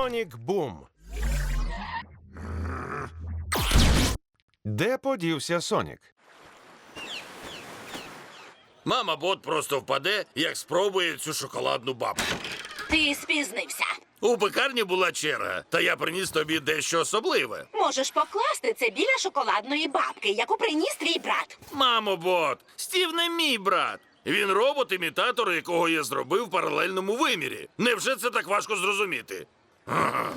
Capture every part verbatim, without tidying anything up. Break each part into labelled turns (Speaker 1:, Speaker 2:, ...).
Speaker 1: Сонік Бум. Де подівся Сонік?
Speaker 2: Мама бот просто впаде, як спробує цю шоколадну бабку.
Speaker 3: Ти спізнився.
Speaker 2: У пекарні була черга, та я приніс тобі дещо особливе.
Speaker 3: Можеш покласти це біля шоколадної бабки, яку приніс твій брат.
Speaker 2: Мамо бот, Стів не мій брат. Він робот-імітатор, якого я зробив в паралельному вимірі. Невже це так важко зрозуміти? Ага.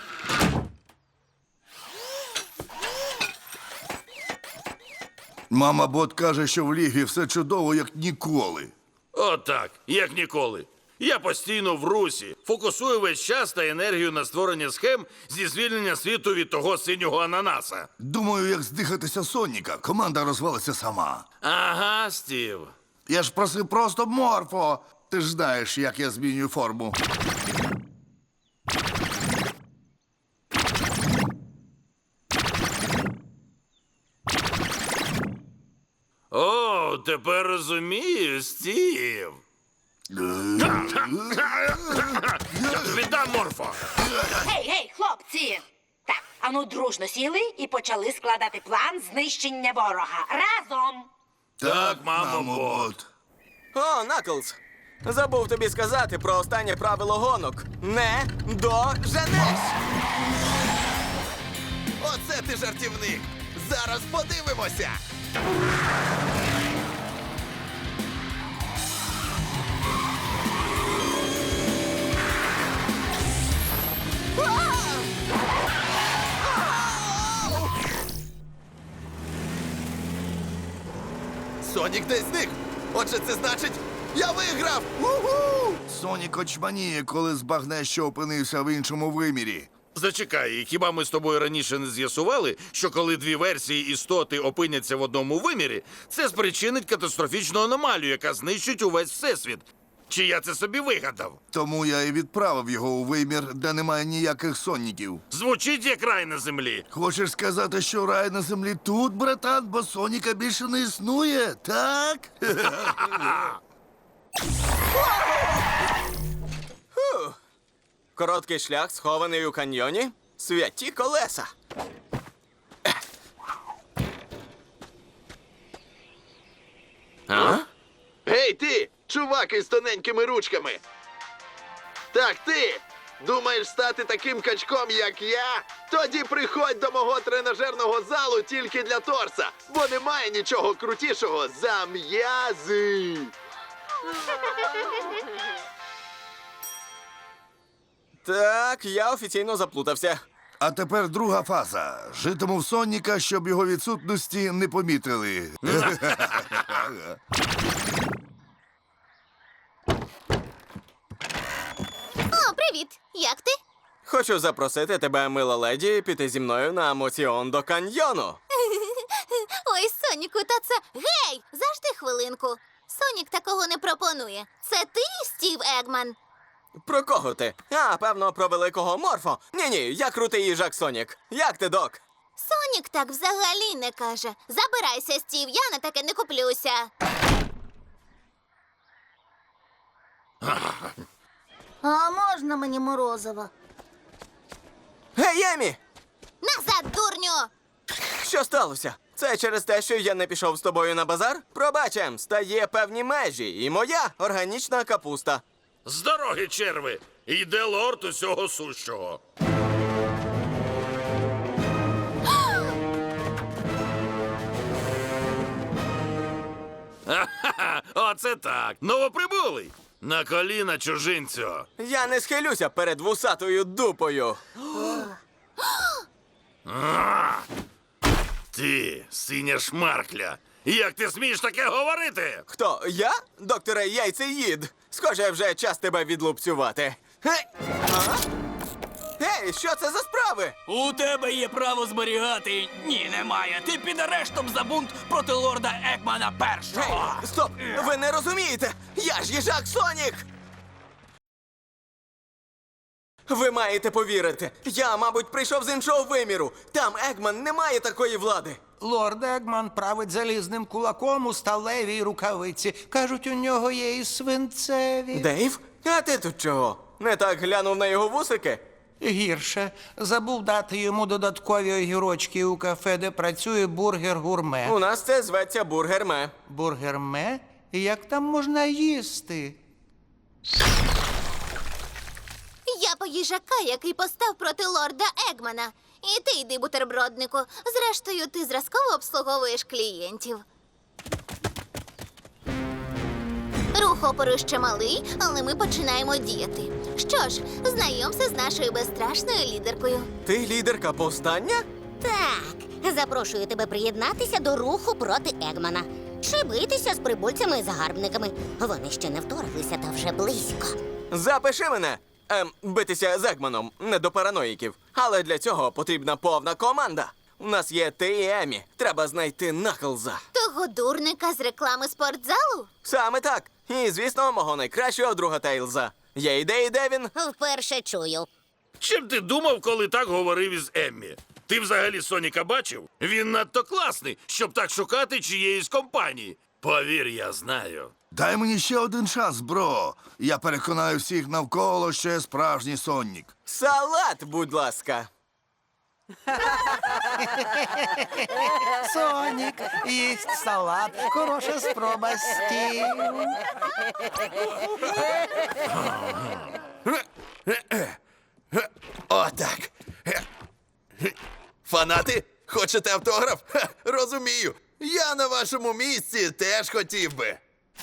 Speaker 4: Мама бот каже, що в лігі все чудово, як ніколи.
Speaker 2: Отак, як ніколи. Я постійно в русі, фокусую весь час та енергію на створення схем зі звільнення світу від того синього ананаса.
Speaker 4: Думаю, як здихатися Соніка, команда розвалиться сама.
Speaker 2: Ага, Стів.
Speaker 4: Я ж просив просто морфо. Ти ж знаєш, як я змінюю форму.
Speaker 2: О, тепер розумію, Стів. Я тобі дам, морфо.
Speaker 3: Гей, гей, хлопці! Так, ану дружно сіли і почали складати план знищення ворога. Разом!
Speaker 2: Так, мамо бот.
Speaker 5: О, Наклз! Забув тобі сказати про останнє правило гонок. Не доженеш!
Speaker 6: Оце ти жартівник! Зараз подивимося! Сонік десь зник! Отже, це значить, я виграв! У-ху!
Speaker 4: Сонік очманіє, коли збагне, що опинився в іншому вимірі.
Speaker 2: Зачекай, хіба ми з тобою раніше не з'ясували, що коли дві версії істоти опиняться в одному вимірі, це спричинить катастрофічну аномалію, яка знищить увесь всесвіт? Чи я це собі вигадав?
Speaker 4: Тому я і відправив його у вимір, де немає ніяких соніків.
Speaker 2: Звучить як рай на землі.
Speaker 4: Хочеш сказати, що рай на землі тут, братан, бо Соніка більше не існує, так?
Speaker 5: Короткий шлях, схований у каньйоні. Святі колеса.
Speaker 2: А?
Speaker 6: Гей ти, чувак із тоненькими ручками! Так ти! Думаєш стати таким качком, як я? Тоді приходь до мого тренажерного залу тільки для торса, бо немає нічого крутішого за м'язи!
Speaker 5: Так, я офіційно заплутався.
Speaker 4: А тепер друга фаза. Житиму в Соніка, щоб його відсутності не помітили.
Speaker 7: О, привіт! Як ти?
Speaker 5: Хочу запросити тебе, мила леді, піти зі мною на емоціон до каньйону.
Speaker 7: Ой, Соніку, та це... Гей! Завжди хвилинку. Сонік такого не пропонує. Це ти, Стів Егман?
Speaker 5: Про кого ти? А, певно, про великого морфо. Ні-ні, я крутий їжак Сонік. Як ти, док?
Speaker 7: Сонік так взагалі не каже. Забирайся, Стів, я на таке не куплюся. А можна мені морозиво?
Speaker 5: Гей, Емі!
Speaker 7: Назад, дурню!
Speaker 5: Що сталося? Це через те, що я не пішов з тобою на базар? Пробачем, стає певні межі, і моя органічна капуста.
Speaker 2: З дороги, черви! Йде лорд усього сущого. Ха-ха-ха! Оце так! Новоприбулий! На коліна, чужинцю!
Speaker 5: Я не схилюся перед вусатою дупою.
Speaker 2: Ти, синя шмаркля! Як ти смієш таке говорити?
Speaker 5: Хто? Я? Докторе Яйцеїд. Схоже, вже час тебе відлупцювати. Гей! А? Гей, що це за справи?
Speaker 8: У тебе є право зберігати. Ні, немає. Ти під арештом за бунт проти лорда Екмана
Speaker 5: Гей,
Speaker 8: першого.
Speaker 5: стоп! Ви не розумієте! Я ж їжак Сонік! Ви маєте повірити. Я, мабуть, прийшов з іншого виміру. Там Егман не має такої влади.
Speaker 9: Лорд Егман править залізним кулаком у сталевій рукавиці. Кажуть, у нього є і свинцеві.
Speaker 5: Дейв? А ти тут чого? Не так глянув на його вусики?
Speaker 9: Гірше. Забув дати йому додаткові огірочки у кафе, де працює бургер-гурме.
Speaker 5: У нас це зветься бургерме.
Speaker 9: Бургерме? Як там можна їсти?
Speaker 7: Я по їжака, який постав проти лорда Егмана. І ти йди, бутерброднику. Зрештою, ти зразково обслуговуєш клієнтів. Рух опору ще малий, але ми починаємо діяти. Що ж, знайомся з нашою безстрашною лідеркою.
Speaker 5: Ти лідерка повстання?
Speaker 10: Так, запрошую тебе приєднатися до руху проти Егмана. Чи битися з прибульцями і загарбниками. Вони ще не вторглися та вже близько.
Speaker 5: Запиши мене! Ем, битися з Егманом, не до параноїків. Але для цього потрібна повна команда. У нас є ти і Емі. Треба знайти Наклза.
Speaker 7: Того дурника з реклами спортзалу?
Speaker 5: Саме так. І, звісно, мого найкращого друга Тейлза. Є ідеї, де він?
Speaker 10: Вперше чую.
Speaker 2: Чим ти думав, коли так говорив із Еммі? Ти взагалі Соніка бачив? Він надто класний, щоб так шукати чиєїсь компанії. Повір, я знаю.
Speaker 4: Дай мені ще один шанс, бро. Я переконаю всіх навколо, що я справжній Сонік.
Speaker 5: Салат, будь ласка.
Speaker 9: Сонік, їсть салат. Хороша спроба, Стів.
Speaker 6: Отак. Фанати, хочете автограф? Ха, розумію. Я на вашому місці теж хотів би.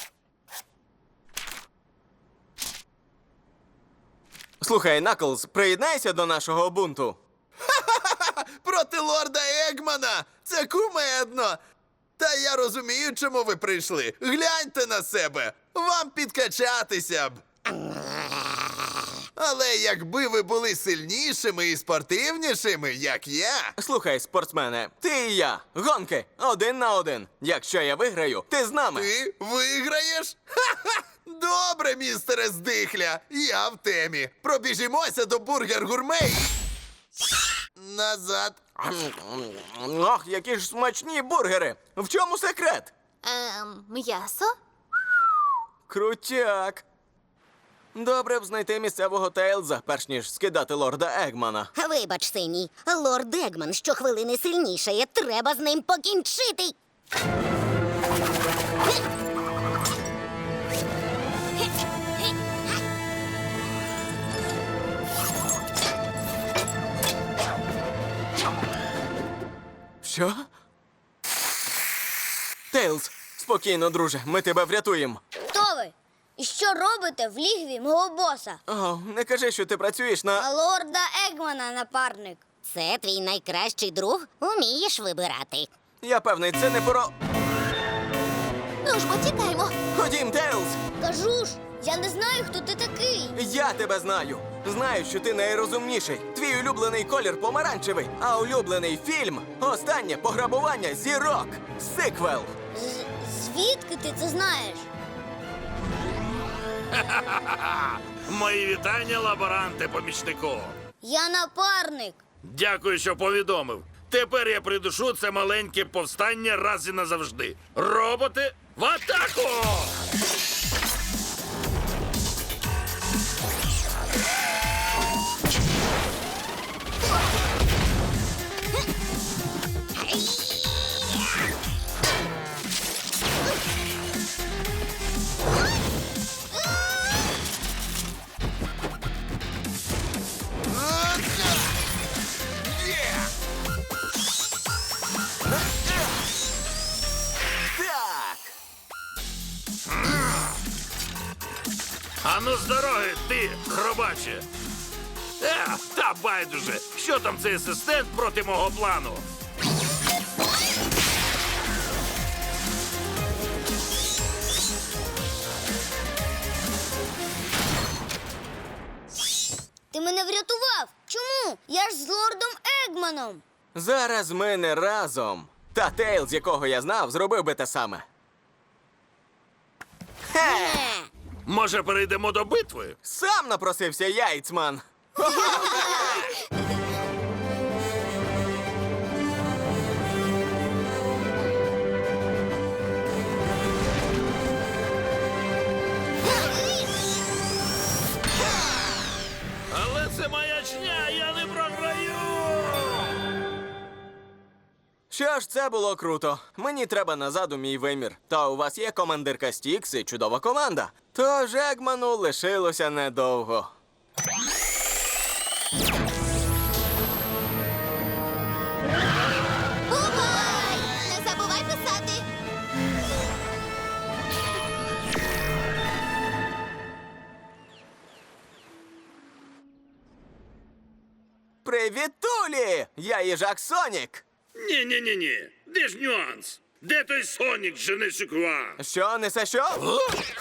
Speaker 5: Слухай, Наклз, приєднайся до нашого бунту.
Speaker 6: Проти лорда Егмана! Це кумедно! Та я розумію, чому ви прийшли. Гляньте на себе! Вам підкачатися б. Але якби ви були сильнішими і спортивнішими, як я.
Speaker 5: Слухай, спортсмене, ти і я. Гонки. Один на один. Якщо я виграю, ти з нами.
Speaker 6: Ти виграєш? Ха-ха! Добре, містере Здихля, я в темі. Пробіжімося до бургер-гурме і... Назад.
Speaker 5: Ох, які ж смачні бургери. В чому секрет?
Speaker 7: Ем, м'ясо?
Speaker 5: Крутяк. Добре б знайти місцевого Тейлза, перш ніж скидати лорда Егмана.
Speaker 10: Вибач, синій, лорд Егман щохвилини сильнішає. Треба з ним покінчити.
Speaker 5: Що? Тейлз, спокійно, друже, ми тебе врятуємо.
Speaker 10: Хто ви? І що робите в лігві мого боса?
Speaker 5: О, не кажи, що ти працюєш на...
Speaker 10: лорда Егмана, напарник. Це твій найкращий друг? Умієш вибирати.
Speaker 5: Я певний, це не про...
Speaker 7: Ну ж, потікаймо.
Speaker 5: Ходім, Тейлз!
Speaker 10: Кажу ж, я не знаю, хто ти такий.
Speaker 5: Я тебе знаю. Знаю, що ти найрозумніший. Твій улюблений колір помаранчевий, а улюблений фільм – останнє пограбування зірок. Сиквел.
Speaker 10: Звідки ти це знаєш?
Speaker 2: Мої вітання, лаборанте, помічнику.
Speaker 10: Я напарник.
Speaker 2: Дякую, що повідомив. Тепер я придушу це маленьке повстання раз і назавжди. Роботи, в атаку!
Speaker 5: Так!
Speaker 2: Ану з дороги, ти, хробаче! Е, та байдуже, що там цей асистент проти мого плану?
Speaker 10: Ти мене врятував. Чому? Я ж з лордом Егманом.
Speaker 5: Зараз ми не разом. Та Тейлз, якого я знав, зробив би те саме. Хе!
Speaker 2: Може, перейдемо до битви?
Speaker 5: Сам напросився яйцман.
Speaker 2: Але це маячня,
Speaker 5: Що ж, це було круто. Мені треба назад у мій вимір. Та у вас є командирка Стікс і чудова команда. Тож Егману лишилося недовго.
Speaker 7: Бувай! Не забувай писати.
Speaker 5: Привіт, Тулі! Я їжак Сонік.
Speaker 11: Ні-ні-ні-ні. Де ж нюанс? Де той Сонік же не шиква?
Speaker 5: Що, несе що?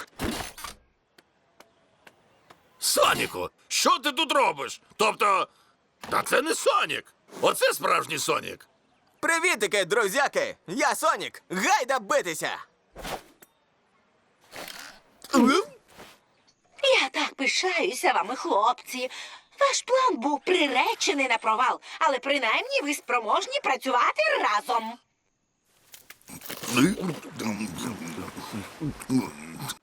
Speaker 2: Соніку, що ти тут робиш? Тобто, та це не Сонік. Оце справжній Сонік.
Speaker 5: Привітики, друзяки! Я Сонік! Гайда битися!
Speaker 3: Я так пишаюся вами, хлопці. Ваш план був приречений на провал, але принаймні ви спроможні працювати разом.